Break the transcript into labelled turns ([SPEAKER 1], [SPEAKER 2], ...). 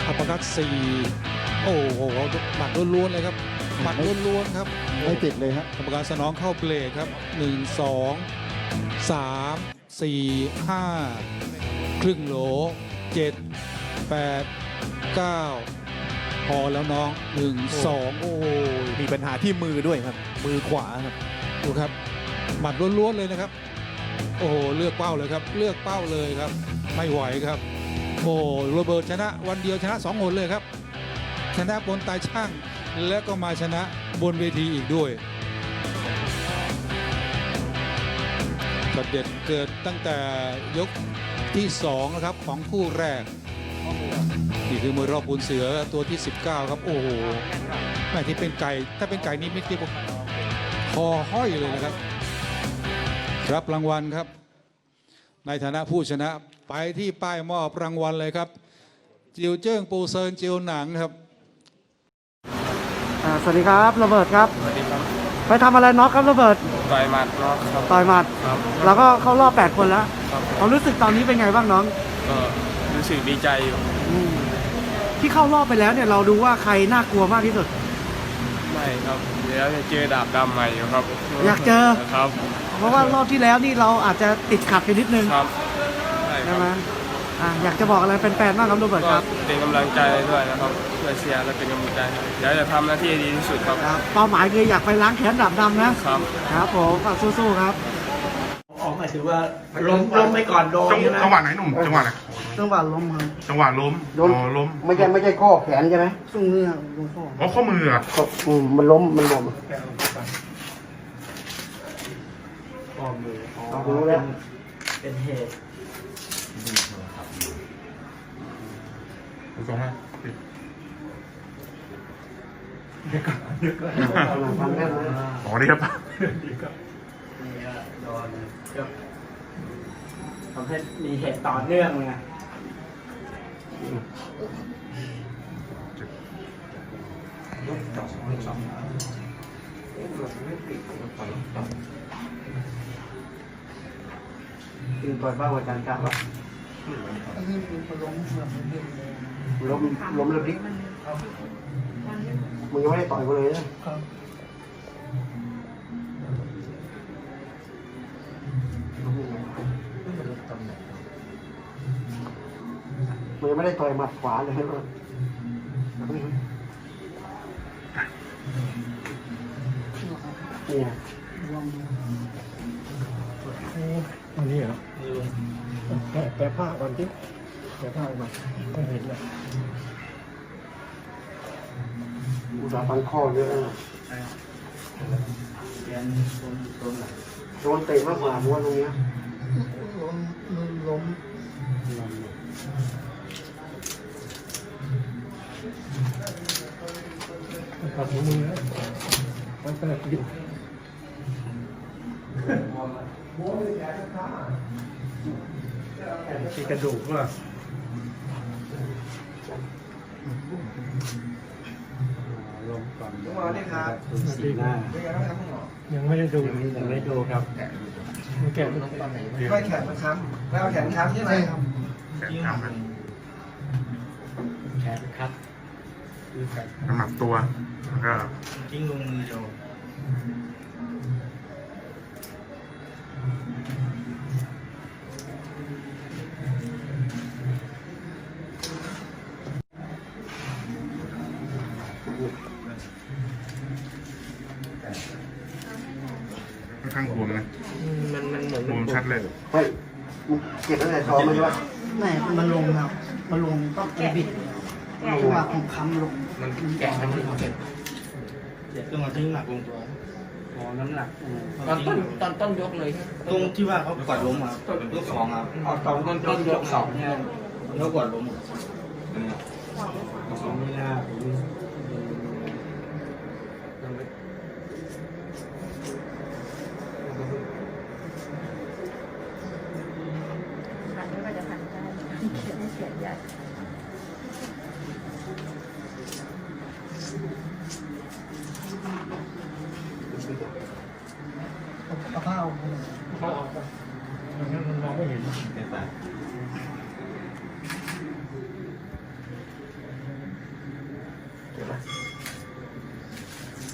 [SPEAKER 1] อัปเปอร์คัต4โอ้โหหมัดล้วนๆเลยครับหมัดล้วนๆครับ
[SPEAKER 2] ไม่ติดเลยฮะ
[SPEAKER 1] กรรมการสนองเข้าเบรกครับ1 2 3 4 5ครึ่งโหล7 8 9พอแล้วน้อง1 2โอ้โห
[SPEAKER 2] มีปัญหาที่มือด้วยครับมือขวาครับ
[SPEAKER 1] ดูครับหมัดล้วนๆเลยนะครับโอ้โหเลือกเป้าเลยครับเลือกเป้าเลยครับไม่ไหวครับโอ้โรเบิร์ตชนะวันเดียวชนะ2 หนเลยครับชนะบนตายช่างและก็มาชนะบนเวทีอีกด้วยช็อตเด็ดเกิดตั้งแต่ยกที่2นะครับของคู่แรกนี่คือมวยรอบปูนเสือตัวที่19ครับโอ้โหแม่ที่เป็นไก่ถ้าเป็นไก่นี่ไม่ที่คอห้อยเลยนะครับรับรางวัลครับในฐานะผู้ชนะไปที่ป้ายมอบรางวัลเลยครับจิวเจิ้งปูเซินจิวหนังครับ
[SPEAKER 3] สวัสดีครับโรเบิร์ตครับ
[SPEAKER 4] สวัสดีครับ
[SPEAKER 3] ไปทำอะไรน็อกครับโรเบิร์ต
[SPEAKER 4] ต่อยหมัดน็อกครับ
[SPEAKER 3] ต่อยหมัด
[SPEAKER 4] ครับ
[SPEAKER 3] แล้วก็เข้ารอบ8 คนแล้ว
[SPEAKER 4] ครับ
[SPEAKER 3] ความรู้สึกตอนนี้เป็นไงบ้างน้อง
[SPEAKER 4] ก็รู้สึกดีใจอยู่
[SPEAKER 3] ที่เข้ารอบไปแล้วเนี่ยเราดูว่าใครน่ากลัวมากที่สุด
[SPEAKER 4] ไม่ครับเดี๋ยวจะเจอดาบดำใหม่อยู่ครับ
[SPEAKER 3] อยากเจอ
[SPEAKER 4] ครับ
[SPEAKER 3] เพราะว่ารอบที่แล้วนี่เราอาจจะติดขัดไปนิดนึง
[SPEAKER 4] ครับ
[SPEAKER 3] ใช่ไหมอยากจะบอกอะไรแฟนๆบ้างครับโรเบิร์ตครับ
[SPEAKER 4] เป็นกำลังใจด้วยนะครับช่วยเชียร์และเป็นกำลังใจเดี๋ยวจะทำหน้าที่ดีที่สุดครับ
[SPEAKER 3] เป้าหมายคืออยากไปล้างแค้นดาบดำนะครับครับผมฝากสู้ๆครับ
[SPEAKER 5] หมายถึงว่าล้มไปก่อนโดน
[SPEAKER 6] จังหวะไหนหนุ่มจังหวะไหน
[SPEAKER 3] จังหวะล้มครับ
[SPEAKER 6] จังหวะล้มล้ม
[SPEAKER 3] ไม่ใช่ข้อแขนใช่ไหมช่วงนี้ล้ม
[SPEAKER 6] ข้อมืออ่ะ
[SPEAKER 3] มันล้มรู้แล้ว
[SPEAKER 5] เป็นเหตุ
[SPEAKER 6] ส่งให้อ๋อนี่ครับ
[SPEAKER 5] โดนทำให้มีเหตุต่อเนื่องไง
[SPEAKER 3] คือปล่อยบ้าอาจารย์ครับล้มเลยพลิกมึงยังไม่ได้ต่อยกูเลยนะมึงยังไม่ได้ต่อยหมัดขวาเลยนะเนี่ย
[SPEAKER 2] อันนี้เหรอแกผ้าก่อนที่แกผ้ามาก็เห็นเลย
[SPEAKER 3] อุตส่าห์ฟันข้อเยอะนะโดนเตะมากกว่าม้วนตรงนี้ล้ม
[SPEAKER 2] ตัดหัวมือนะมันเปิดอยู่มีกระดูกว่าลงก่อนยังไม่ได้ดูครับแขน
[SPEAKER 5] ไม่แขนมันค้ำแล้วแขนค้ำใช่ไหมครับ
[SPEAKER 6] แขนค้ำกัน
[SPEAKER 5] แขนครับ
[SPEAKER 6] น้ำหนักตัวแล้วก็
[SPEAKER 5] กิ้งลงมือโจ
[SPEAKER 6] ค่อนข้างบวมนะ
[SPEAKER 5] มันเหมือน
[SPEAKER 6] บวมชัดเลย
[SPEAKER 3] เฮ้ยเก็บตั้งแต่ซ้อมมันใช่ปะไม่มันลงครับมันลงต้องไปบิดจังหวะของค้ำลง
[SPEAKER 5] มันแกะมันเจ็บตรงที่หนักลงตัวน้ำหนักตอนต้นยกเลยตรงที่ว่าเขากดล้มอ่ะยก2ครับตอนต้นยก2เนี่ยเขากดล้มไม่น่า
[SPEAKER 2] เอาผ้าออกงั้นมันมองไม่เห็น